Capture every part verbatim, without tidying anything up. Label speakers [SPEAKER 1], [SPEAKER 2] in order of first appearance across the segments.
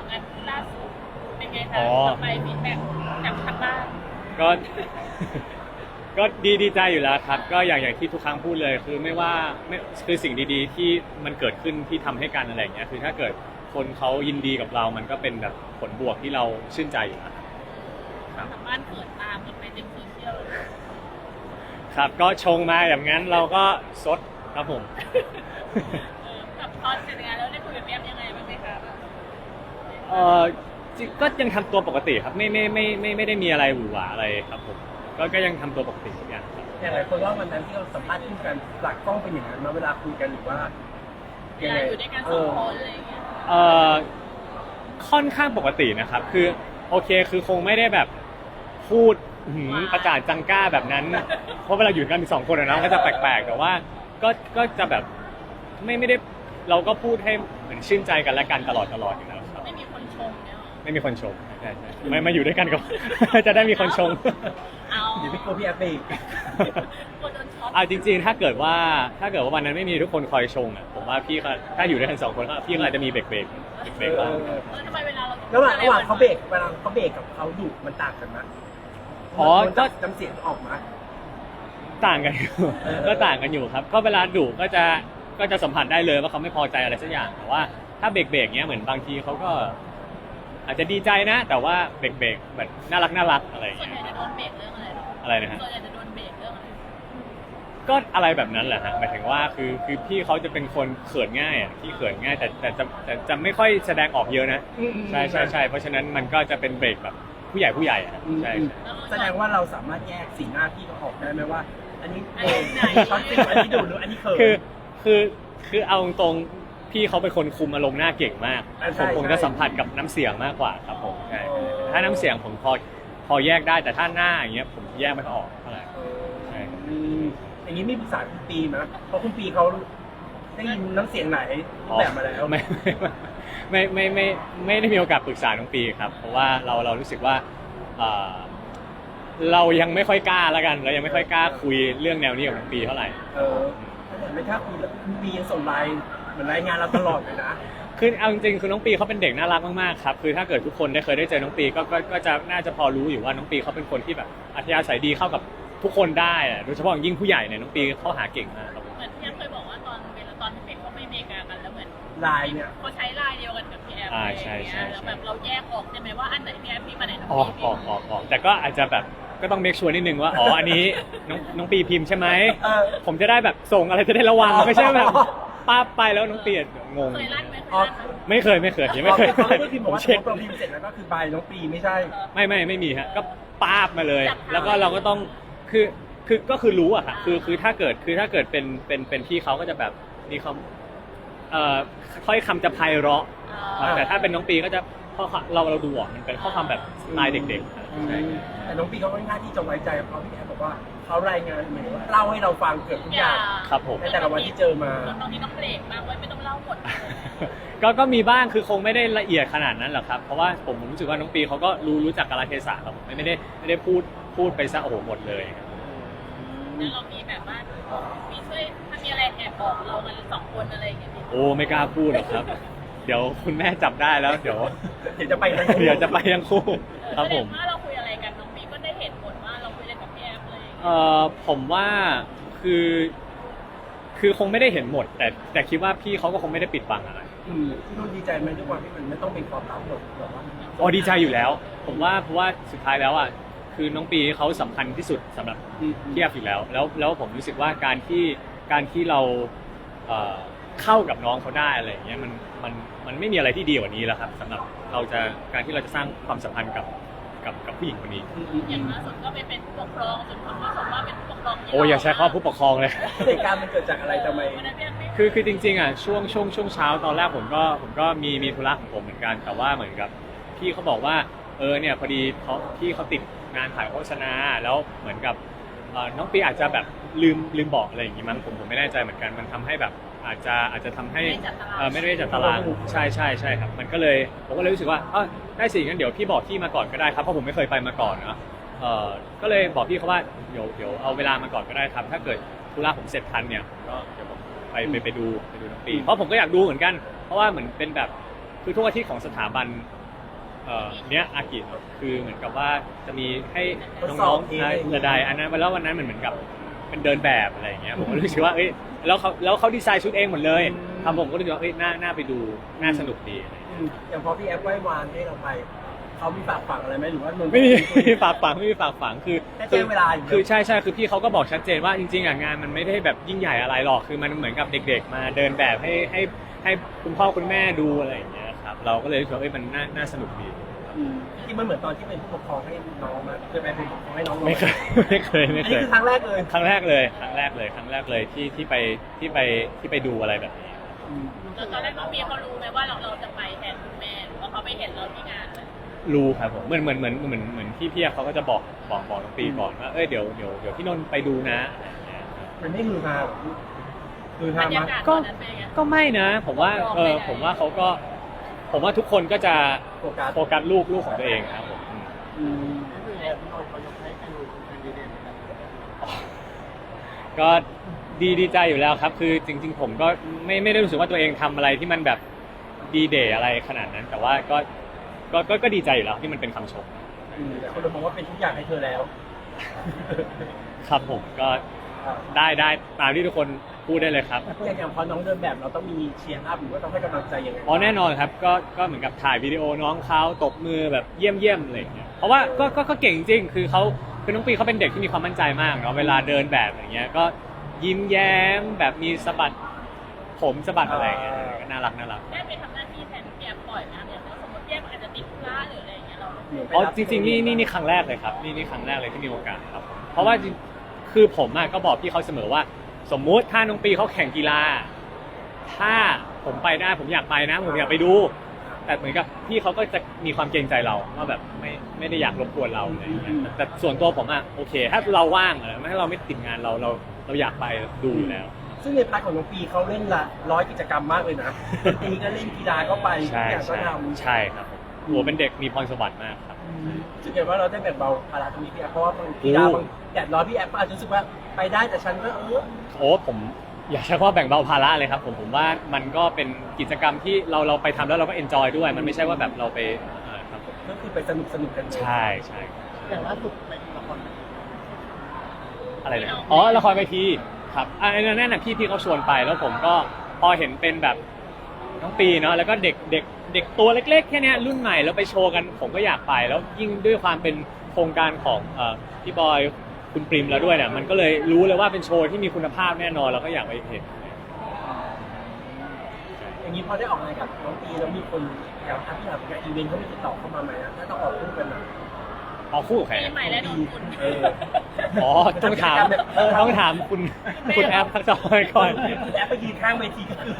[SPEAKER 1] อกงานล่าสุดเป็นไงคะต่อไปฟีดแบ็กจากทางบ้าน
[SPEAKER 2] ก็ ก็ดีดีใจอยู่แล้วครับก็อย่างอย่างที่ทุกครั้งพูดเลยคือไม่ว่าไม่คือสิ่งดีๆที่มันเกิดขึ้นที่ทำให้กันอะไรอย่างเงี้ยคือถ้าเกิดคนเขายินดีกับเรามันก็เป็นแบบผลบวกที่เราชื่นใจอยู่แล้วครับ
[SPEAKER 1] ทางบ้านเกิดตามกันไปในโซเชียล
[SPEAKER 2] ครับก็ชงมาอย่างนั้นเราก็ซดครับผม
[SPEAKER 1] เออกับตอนเสร็จงานแล้วได้คุยกับแอมยังไงบ้างไหมคะ
[SPEAKER 2] เออก็ยังทำตัวปกติครับไม่ไม่ไม่ไม่ไม่ได้มีอะไรหวือหวาอะไรครับผมก็ก็ยังทำตัวปกติทุกอย่างครับ
[SPEAKER 3] อย่างไรคนว่าวันนั้นที่เราสัมภาษณ์คู่กันหลักกล้องเป็นอย่างนั้นมาเวลาคุยกันหรือว่า
[SPEAKER 1] เวลาอยู่ด้วยกันสองคนอะไรอย่างเงี้ย
[SPEAKER 2] เอ่อค่อนข้างปกตินะครับคือโอเคคือคงไม่ได้แบบพูดหืมประจานจังก้าแบบนั้นเพราะเวลาอยู่กันมีสองคนนะก็จะแปลกๆแต่ว่าก็ก็จะแบบไม่ไม่ได้เราก็พูดให้เหมือนชื่นใจกันและกันตลอดตลอดอยู่แล้วครับ
[SPEAKER 1] ไม่มีคนชมเนี่ย
[SPEAKER 2] ไม่มีคนชมใช่ใช่ไม่มาอยู่ด้วยกันก็ จะได้มีคนชม
[SPEAKER 1] เอา
[SPEAKER 3] เดี๋ยวพี่โกพี่แอปไปอีก
[SPEAKER 1] คนโดนช็อต
[SPEAKER 2] อ่าจริงๆถ้าเกิดว่าถ้าเกิดว่าวันนั้นไม่มีทุกคนคอยชงอ่ะผมว่าพี่เขาถ้าอยู่ด้วยกันสองคนก็พี่เขาอาจจะมีเบรกเบรกเบรกบ้าง
[SPEAKER 1] ทำไมเวลาเรา
[SPEAKER 3] ระหว่างระหว่างเขาเบรกเวลาเขาเบรกกับเขาดุมันต่างกันไหม
[SPEAKER 2] อ๋อก็
[SPEAKER 3] จำเสียงออกมา
[SPEAKER 2] ต่างกันอยู่ก็ต่างกันอยู่ครับก็เวลาดุก็จะก็จะสัมผัสได้เลยว่าเขาไม่พอใจอะไรสักอย่างแต่ว่าถ้าเบรกเบรกเนี้ยเหมือนบางทีเขาก็อาจจะดีใจนะแต่ว่าเบรกเบรกแบบน่ารักน่ารักอะไรอย่าง
[SPEAKER 1] ส่วน
[SPEAKER 2] เงี้ย
[SPEAKER 1] ใหญ่จะโดนเบรกเรื่องอะไร
[SPEAKER 2] อะไรนะฮะ
[SPEAKER 1] ส่วนใหญ่จะโดนเบรกเรื่องอะไร
[SPEAKER 2] ก็อะไรแบบนั้นแหละฮะหมายถึงว่าคือคือพี่เขาจะเป็นคนเขินง่ายอ่ะพี่เขินง่ายแต่แต่จะแต่จะไม่ค่อยแสดงออกเยอะนะใช่ใช่ใช่เพราะฉะนั้นมันก็จะเป็นเบรกแบบผู้ใหญ่ผู้ใหญ่อ่ะใช่
[SPEAKER 3] แสดงว่าเราสามารถแยกสีหน้าพี่เขาออกได้ไหมว่า อันนี้เองช็อตฟิลอันนี้ดูหรืออันนี้เขิน
[SPEAKER 2] คือคือคือเอาตรงพี่เขาเป็นคนคุมอารมณ์หน้าเก่งมากผมผมจะสัมผัสกับน้ำเสียงมากกว่าครับผมใช่ถ้าน้ำเสียงผมพอพอแยกได้แต่ถ้าหน้าอย่างเงี้ยผมแยกไม่ออกเท่าไหร่ใช่
[SPEAKER 3] อย่างนี้มีปรึกษาคุณปีไหมเพราะคุณปีเขาได้ยินน้ำเสียงไหนแบบมาแล้ว
[SPEAKER 2] ไม่ไม่ไม่ไม่ไม่ได้มีโอกาสปรึกษาน้องปีครับเพราะว่าเราเรารู้สึกว่าเรายังไม่ค่อยกล้าแล้วกันเรายังไม่ค่อยกล้าคุยเรื่องแนวนี้กับน้องปีเท่าไหร่
[SPEAKER 3] เออไม่ถ้าคุยคุณปียังส่งไลน์เหมือนรายงานเราตลอดเลยนะ
[SPEAKER 2] คือเอาจริงๆคือน้องปีเขาเป็นเด็กน่ารักมากๆครับคือถ้าเกิดทุกคนได้เคยได้เจอน้องปีก็ก็ก็จะน่าจะพอรู้อยู่ว่าน้องปีเขาเป็นคนที่แบบอัธยาศัยดีเข้ากับทุกคนได้โดยเฉพาะยิ่งผู้ใหญ่เนี่ยน้องปีเขาหาเก่งมากครับ
[SPEAKER 1] เหมือนพี่แอมเคยบอกว่าตอนเวลาตอนที่เป็นเขาไม่เมกากันแล้วเหมือน
[SPEAKER 3] ไลน์เนี่ย
[SPEAKER 1] เขาใช้ไลน์เดียวกันกับพี่แอมอะไรอย่างเงี้ยแล้วแบบเราแยกออกใช่ไหมว่าอันไหนพี่แอมพี่มาไหนน้องปี
[SPEAKER 2] ออกออกออกออกแต่ก็อาจจะแบบก็ต้องเมคชัวร์นิดนึงว่าอ๋ออันนี้น้องน้องปีพิมพ์ใช่ไหมผมจะได้แบบส่งอะไรจะได้ระวังไม่ใช่แบบป้าไปแล้วน้องปีงง
[SPEAKER 1] เคยลั่นไหม
[SPEAKER 2] ไม่เคยไม่เคยยังไม่เคย
[SPEAKER 3] เขาไม่ได้พิมพ์บอกว่าเราพิมพ์เสร็จแล้วก็คือใบน้องปีไม่ใช่
[SPEAKER 2] ไม่ไม่ไม่มีฮะก็ป้าบมาเลยแล้วก็เราก็ต้องคือคือก็คือรู้อะค่ะคือคือถ้าเกิดคือถ้าเกิดเป็นเป็นเป็นพี่เขาก็จะแบบมีคำเอ่อค่อยคำจะไพเราะแต่ถ้าเป็นน้องปีก็จะข้อเราเราดูอ่ะมันเป็นข้อความแบบสไตล์เด็ก
[SPEAKER 3] ๆแต่น้องปีเขาค่อนข้างที่จะไว้ใจเพราะพี่แอฟบอกว่าเขารายงานเหมือนว่าเล่าให้เราฟังเกือบทุกอย่าง
[SPEAKER 2] ครับผม
[SPEAKER 3] ในแต่ละวันที่เจอมา
[SPEAKER 1] ตอนนี้ต้องเบรกมากไม่ต้องเล่าหมด
[SPEAKER 2] ก็ก็มีบ้างคือคงไม่ได้ละเอียดขนาดนั้นหรอกครับเพราะว่าผมรู้สึกว่าน้องปีเขาก็รู้รู้จักกาลเทศะครับไม่ได้ไม่ได้พูดพูดไปซะโอ้โหหมดเลย
[SPEAKER 1] แล้วเรามีแบบว่ามีช่วยถ้ามีอะไรแอบบอกเรากันสองคนอะไรอย่างเงี้ย
[SPEAKER 2] โอ้ไม่กล้าพูดหรอกครับเดี๋ยวคุณแม่จับได้แล้วเดี๋ยว
[SPEAKER 3] เดี๋ยวจะไปทั้งคู่
[SPEAKER 2] เดี๋ยวจะไปทั้งคู่ครับผม
[SPEAKER 1] ถ้าเราคุยอะไรกันน้องปีก็ได้เห็นผลว่าเราคุยอะไรกับพี่แอฟเลย
[SPEAKER 2] เอ่อผมว่าคือคือคงไม่ได้เห็นหมดแต่แต่คิดว่าพี่เขาก็คงไม่ได้ปิดบังอะไร
[SPEAKER 3] อืมพี่นุ่นดีใจไหมด้วยความที่มันไม่ต้องเป็นความลับหรอกแบบว่า
[SPEAKER 2] อ๋อดีใจอยู่แล้วผมว่าเพราะว่าสุดท้ายแล้วอ่ะคือน้องปีเขาสำคัญที่สุดสำหรับพี่แอฟอยู่แล้วแล้วแล้วผมรู้สึกว่าการที่การที่เราเอ่อเข้ากับน้องเขาได้อะไรอย่างเงี้ยมันมันมันไม่มีอะไรที่ดีกว่านี้แล้วครับสำหรับเราจะการที่เราจะสร้างความสัมพันธ์กับกับกับผู้หญิงคนนี้
[SPEAKER 1] อย่างล่าสุดก็ไปเป็นผู้ปกครองจนคนก็ชมว่าเป็นผู้ปกครอง
[SPEAKER 2] โอ้อย่าใช้คำว่าผู้ปกครองเลย
[SPEAKER 3] เหตุการณ์มันเกิดจากอะไรทำไม
[SPEAKER 2] คือคือจริงๆอ่ะช่วงช่วงช่วงเช้าตอนแรกผมก็ผมก็มีมีธุระของผมเหมือนกันแต่ว่าเหมือนกับพี่เขาบอกว่าเออเนี่ยพอดีเขาพี่เขาติดงานถ่ายโฆษณาแล้วเหมือนกับน้องปีอาจจะแบบลืมลืมบอกอะไรอย่างงี้มั้งผมผมไม่แน่ใจเหมือนกันมันทำให้แบบอาจจะอาจจะทำให้ไม่ได้จัดตารางใช่ใช่ใช่ครับมันก็เลยผมก็เลยรู้สึกว่าเออได้สิงั้นเดี๋ยวพี่บอกพี่มาก่อนก็ได้ครับเพราะผมไม่เคยไปมาก่อนนะเออก็เลยบอกพี่เขาว่าเดี๋ยวเดี๋ยวเอาเวลามาก่อนก็ได้ครับถ้าเกิดธุระผมเสร็จทันเนี่ยก็เดี๋ยวผมไปไปไปดูไปดูน้องปีเพราะผมก็อยากดูเหมือนกันเพราะว่าเหมือนเป็นแบบคือทุกอาทิตย์ของสถาบันเอ่อเนี้ยอากิคือเหมือนกับว่าจะมีให้น้องๆระดายอันนั้นแล้ววันนั้นมันเหมือนกับเป็นเดินแบบอะไรอย่างเงี้ยผมก็รู้สึกว่าเอ้ยแล้วเขาแล้วเขาดีไซน์ชุดเองหมดเลยทำผมก็รู้สึกว่าเอ้ยน่าน่าไปดูน่าสนุกดีอะไรอย่างเงี้ย
[SPEAKER 3] อืมอย่างพอพี่แอฟไหว้วานให้เราไปเขามีฝากฝังอะไรไหมหรือว่านนท์
[SPEAKER 2] ไม่มีไม่มีฝากฝังไม่มีฝากฝังคือ
[SPEAKER 3] แค่แจ้งเวลาอยู่
[SPEAKER 2] คือใช่ใช่คือพี่เขาก็บอกชัดเจนว่าจริงๆอ่ะงานมันไม่ได้แบบยิ่งใหญ่อะไรหรอกคือมันเหมือนกับเด็กๆ มาเดินแบบให้ให้ให้คุณพ่อคุณแม่ดูอะไรอย่างเงี้ยครับเราก็เลยรู้สึกว่าเอ้ยมันน่าน่าสนุกดี
[SPEAKER 3] อืมที่มันเหมือนตอนที่เป็นผู้ปกครองให้น้องมาเคยไปเป็นผู้ปกครองให้น้อง
[SPEAKER 2] ไม่เคยไม่เคยไม่
[SPEAKER 3] อัน
[SPEAKER 2] เค
[SPEAKER 3] นี้
[SPEAKER 2] ย
[SPEAKER 3] คือครั้งแรกเลย
[SPEAKER 2] ครั้งแรกเลยครั้งแรกเลยครั้งแรกเลยที่ที่ไปที่ไปที่ไปดูอะไรแบบนี้
[SPEAKER 3] อืม
[SPEAKER 1] แล้วตอนแรกน้องมีเขารู้ไหมว่าเราเราจะไปแทนคุณแม่หรือว่าเขาไปเห็นเราที่งานเลย
[SPEAKER 2] รู้ครับผมเหมือนเหมือนเหมือนเหมือนเหมือนพี่เพียเขาก็จะบอกบอกบอกน้องปีก่อนว่าเอ้ยเดี๋ยวเดี๋ยวเดี๋ยวพี่นนท์ไปดูนะอะไรอย่างเงี้ย
[SPEAKER 3] มันไม่ฮือฮาหรอฮือฮา
[SPEAKER 1] บรร
[SPEAKER 3] มาย
[SPEAKER 1] ากาศต
[SPEAKER 2] ก็
[SPEAKER 1] อนนั้นเป็นไง
[SPEAKER 2] ก็ไม่นะผมว่าเออผมว่าเขาก็ ผมว่าทุกคนก็จะ
[SPEAKER 3] โฟกัส
[SPEAKER 2] โฟกัสลูกลูกของตัวเองครับผมอืม
[SPEAKER 3] อืม
[SPEAKER 2] ก็ดีดีใจอยู่แล้วครับ คือจริง ๆ ผมก็ไม่ไม่ได้รู้สึกว่าตัวเองทำอะไรที่มันแบบดีเดย์อะไรขนาดนั้น แต่ว่าก็ก็ก็ก็ดีใจอยู่แล้วที่มันเป็นคำชม
[SPEAKER 3] อืมแต่คนเรามองว่าเป็นทุกอย่างให้เธอแล้ว
[SPEAKER 2] ครับผมก็ได้ได้ตามที่ทุกคนพูดได้เลยครับ
[SPEAKER 3] อย่างอย่างพอน้องเดินแบบเราต้องมีเชียร์อัพหรือว่าต้องให้กำลังใจยังไง
[SPEAKER 2] อ๋อแน่นอนครับก็ก็เหมือนกับถ่ายวิดีโอน้องเขาตบมือแบบเยี่ยมเยี่ยมอะไรอย่างเงี้ยเพราะว่าก็ก็ก็เก่งจริงคือเขาคือน้องปีเขาเป็นเด็กที่มีความมั่นใจมากเนาะเวลาเดินแบบอย่างเงี้ยก็ยิ้มแย้มแบบมีสะบัดผมสะบัดอะไรอย่างเงี้ยก็น่ารักน่ารัก
[SPEAKER 1] ได้ไปทำหน้าที่แทนเปียบ่อยนะอย่างสมมติเปียอาจจะติดธุระหรืออะไรอย่างเงี้ยเรา
[SPEAKER 2] อ๋อจริงๆนี่นี่นี่ครั้งแรกเลยครับนี่นี่ครั้งแรกเลยที่มีโอกาสครับเพราะว่าจริงคือผมอะก็บอกพี่เขาเสมอว่า สมมุติถ้าน้องปีเขาแข่งกีฬา ถ้าผมไปได้ผมอยากไปนะ ผมอยากไปดู แต่เหมือนกับพี่เขาก็จะมีความเกรงใจเราว่าแบบไม่ไม่ได้อยากรบกวนเราอะไรอย่างเงี้ยแต่ส่วนตัวผมอะโอเค ถ้าเราว่างอะไรถ้าเราไม่ติดงานเราเราเราอยากไปดูอยู่แล้ว
[SPEAKER 3] ซึ่งในพาร์ทของน้องปีเขาเล่นละร้อยกิจกรรมมากเลยนะดนตรีก็เล่นกีฬาก็ไปทุก
[SPEAKER 2] ใช่
[SPEAKER 3] อย่างก็
[SPEAKER 2] ใช่
[SPEAKER 3] ทำ
[SPEAKER 2] ใช่ครับผมโหัวเป็นเด็กมีพรสวรรค์มากครับ
[SPEAKER 3] รู้สึกไงว่าเราได้แบ่งเบาภาระตรงนี้พี่แอฟเพราะว่าบางกีฬาบางแดดร้อนพี่แอฟก็อาจจะรู้สึกว่าไปได้แต่ฉันก็เออ
[SPEAKER 2] โอ้ผมอยากใช้คำว่าแบ่งเบาภาระเลยครับผมผมว่ามันก็เป็นกิจกรรมที่เราเราไปทำแล้วเราก็เอนจอยด้วย มันไม่ใช่ว่าแบบเราไปเอ่อครับผม
[SPEAKER 3] ก็คือไปสนุกสนุกกันเลย
[SPEAKER 2] ใช่ใช่
[SPEAKER 3] อย่างล่าสุดไปละคร
[SPEAKER 2] อะไรนะอ๋อละครเวทีครับอ่าอันนั้นน่ะพี่พี่เขาชวนไปแล้วผมก็พอเห็นเป็นแบบน้องปีเนาะแล้วก็เด็กเด็กเด็กตัวเล็กๆแค่เนี้ยรุ่นใหม่แล้วไปโชว์กันผมก็อยากไป แล้วยิ่งด้วยความเป็นโครงการของเอ่อพี่บอยคุณปริมแล้วด้วยเนี่ยมันก็เลยรู้เลยว่าเป็นโชว์ที่มีคุณภาพแน่นอนแล้วก็อยากไปเห็น
[SPEAKER 3] อย่างนี้พอได้ออกงานกับน้องปีแล้วมีคนอยากทำที่หลังงานอีเวนต์เขามีติดต่อเข้ามาไหมนะถ้าต้องออกคู่กันนะ
[SPEAKER 2] เอาคู่กับใคร
[SPEAKER 1] ปี
[SPEAKER 2] นะ
[SPEAKER 1] ใหม่และนนคุณ
[SPEAKER 3] เออ
[SPEAKER 2] อ๋อต้องถามเออต้องถามคุณคุณแอปทักษะก่อน
[SPEAKER 3] แอปไปยืนข้างเวทีก็คือ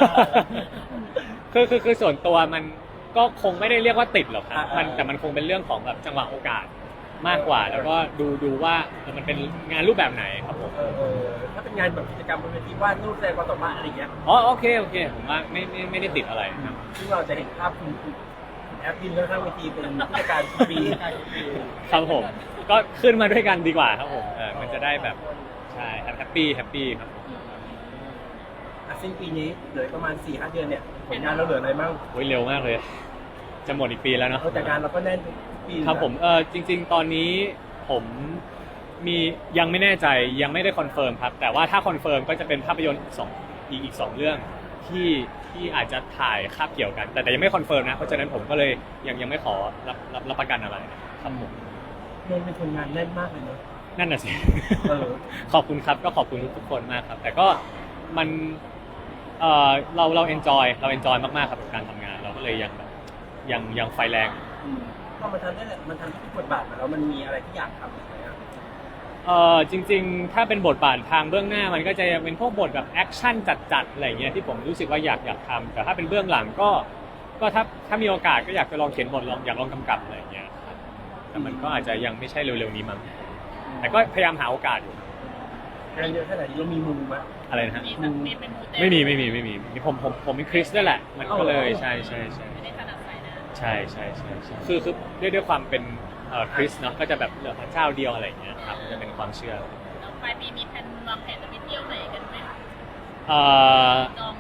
[SPEAKER 2] คือคือคือส่วนตัวมันก็คงไม่ได้เรียกว่าติดหรอกครับ
[SPEAKER 3] อ่ามั
[SPEAKER 2] มันแต่มันคงเป็นเรื่องของแบบจังหวะโอกาสมากกว่า แล้วก็ดูดูว่าเออมันเป็นงานรูปแบบไหนครับผม
[SPEAKER 3] เออเออถ้าเป็นงานแบบกิจกรรมบนเวทีวาดรูปแสดงความสามารถอะไรอย่างเงี้ย
[SPEAKER 2] อ๋อโอเคโอเคผมว่าไม่ไม่ไม่ได้ติดอะไรครับ
[SPEAKER 3] ซึ่งเราจะเห็นภาพคุณคุณแอปยืนข้างเวทีเป็นผู้จัดการปี
[SPEAKER 2] ครับผมก็ขึ้นมาด้วยกันดีกว่าครับผมเออมันจะได้แบบใช่แฮปปี้แฮปปี้ครับผม
[SPEAKER 3] อ่ะสิ้นปีนี้เหลือประมาณ สี่ห้า เดือนเนี่ยผลงานเราเหลืออะไรบ้าง
[SPEAKER 2] โอ้ยเร็วมากเลย จะหมดอีกปีแล้วเนาะ
[SPEAKER 3] เอาแต่งานเราก็แน่นทุกปี
[SPEAKER 2] ครับผมเออจริง ๆ ตอนนี้ผมมียังไม่แน่ใจยังไม่ได้คอนเฟิร์มครับแต่ว่าถ้าคอนเฟิร์มก็จะเป็นภาพยนตร์สองอีกอีกสองเรื่องที่ที่อาจจะถ่ายคาบเกี่ยวกัน แต่แต่ยังไม่คอนเฟิร์มนะเพราะฉะนั้นผมก็เลยยังยังไม่ขอรับรับรับประกันอะไรครับผม
[SPEAKER 3] นนท์เป็นคนงานแน่นมากเลยเนอะ
[SPEAKER 2] นั่นน่ะสิ
[SPEAKER 3] เออ
[SPEAKER 2] ขอบคุณครับก็ขอบคุณทุกๆคนมากครับ แต่ก็มันเออเราเราเอนจอยเราเอนจอยมากๆครับกับการทำงาน เราก็เลยยังแบบยังยังไฟแรง
[SPEAKER 3] อืมพอมันทำได้แหละมันทำทุกบทบาทมาแล้วมันมีอะไรที่อยากทำไหมอะ
[SPEAKER 2] เออจริงๆ ถ้าเป็นบทบาททางเบื้องหน้ามันก็จะเป็นพวกบทแบบแอคชั่นจัดๆอะไรเงี้ยที่ผมรู้สึกว่าอยากอยากทำแต่ถ้าเป็นเบื้องหลังก็ก็ถ้าถ้ามีโอกาสก็อยากจะลองเขียนบทลองอยากลองกำกับอะไรเงี้ยครับแต่มันก็อาจจะยังไม่ใช่เร็วๆนี้มั้งแต่ก็พยายามหาโอกาสอยู่
[SPEAKER 3] งานเยอะขนาดนี้เรามีมุมไหม
[SPEAKER 2] อะไรนะฮะ
[SPEAKER 1] มีสักมีเป็นมูเต
[SPEAKER 2] ไม่มีไม่มีไม่มีมีผมผมผมเป็นคริสด้วยแหละมันก็เลยใช่ใช่ใช่
[SPEAKER 1] ไม่ได้ถนัดสายหน้า
[SPEAKER 2] ใช่ใช่ใช่ใช่คือคือด้วยด้วยความเป็นเอ่อคริสเนาะก็จะแบบเหลือพระเจ้าเดียวอะไรอย่างเงี้ยครับจะเป็นความเชื่อ
[SPEAKER 1] แล้วปลายปีมีแผนวางแผนจะไปเที่ยวไหนกันไหม
[SPEAKER 2] เอ่อ
[SPEAKER 1] จองเนี่ย
[SPEAKER 2] จ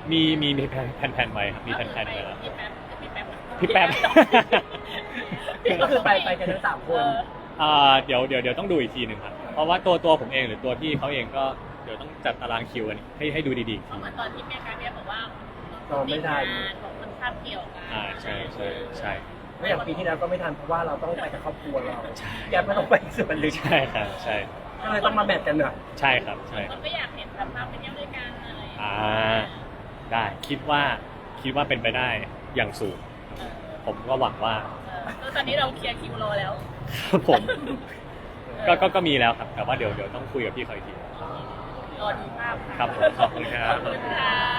[SPEAKER 2] มีมีมีแผนแผนแผนไว้ครับมีแผนแผนไว้แล้ว
[SPEAKER 1] พี่แป๊บพี่แป๊บ
[SPEAKER 2] พี่แป๊บ
[SPEAKER 3] ก็คือไปไปกันทั้งสามคน
[SPEAKER 2] อ่าเดี๋ยวเดี๋ยวเดี๋ยวต้องดูอีกทีหนึ่งครับเพราะว่าตัวตัวผมเองหรือตัวพี่เขาเองก็เดี๋ยวต้องจัดตารางคิวกันให้ให้ดูดีๆอีก
[SPEAKER 1] เพ
[SPEAKER 2] ที
[SPEAKER 1] ราะเหมือนตอนที่แม่การเนี่ยบอกว่า
[SPEAKER 3] ตอบไม่ได้
[SPEAKER 1] งานของคนคาบเกี่ยวกัน
[SPEAKER 2] อ่าใช่ใช่ใช่
[SPEAKER 3] ไม่อย่างปีที่แล้วก็ไม่ทันเพราะว่าเราต้องไปกับครอบครัวเราแกไม่ต้องไปส่วนลึก
[SPEAKER 2] ใช่ครับใช่
[SPEAKER 3] ก็เลยต้องมาแมทกันหน่อย
[SPEAKER 2] ใช่ครับใช่
[SPEAKER 1] คนก็อยากเห็นแบบภาพไปเที่ยวด้วยกันอะไรอย่างเงี้ย
[SPEAKER 2] อ่าได้คิดว่าคิดว่าเป็นไปได้อย่างสูง
[SPEAKER 1] เออ
[SPEAKER 2] ผมก็หวังว่า
[SPEAKER 1] เออแล้วตอนนี้เราเคลียร์คิวรอแล้ว
[SPEAKER 2] ครับผมก็ก็ก็มีแล้วครับแต่ว่าเดี๋ยวเดี๋ยวต้องคุยกับพี่เขาอีกที
[SPEAKER 1] รอดูภาพะ
[SPEAKER 2] ครับผมขอบคุณครับ
[SPEAKER 1] ขอบคุณค่ะ